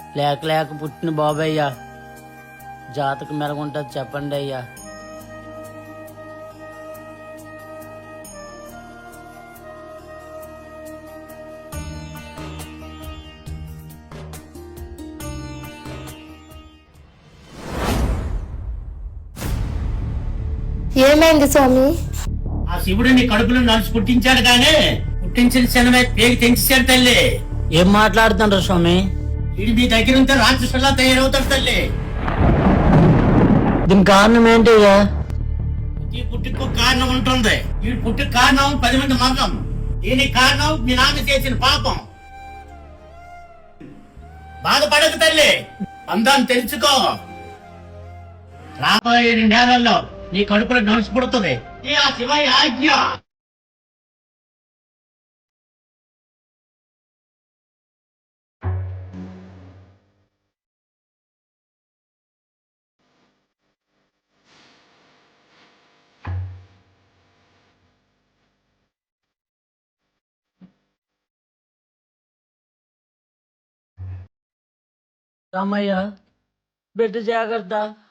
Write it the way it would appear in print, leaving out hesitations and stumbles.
లేక లేక పుట్టిన బాబయ్యా, జాతకం మెరుగుంటుంది చెప్పండి అయ్యా. ఏమైంది స్వామి? ఆ శివుడు నీ కడుపులో నలుసు పుట్టించాడు కానీ పుట్టించిన శనమే పేగి తెంచేశాడు తల్లి. ఏం మాట్లాడుతుండ్రు స్వామి? వీడు మీ దగ్గర ఉంటే రాక్షసులా తయారవుతాడు తల్లి. దీని కారణం ఏంటి అయ్యా? ఈ పుట్టుకు కారణం ఉంటుంది. ఈ పుట్టుకు కారణం 10 మంది మగం. దీనికి కారణం మీ నాన్న చేసిన పాపం. బాధపడకు తల్లి, అందాన్ని తెలుసుకో. రాబోయే 2 నెలల్లో నీ కడుపులో నలుసు పుడుతుంది. ఈ ఆ శివయ్య ఆజ్ఞ. రామయ్య, బిడ్డ జాగ్రత్త.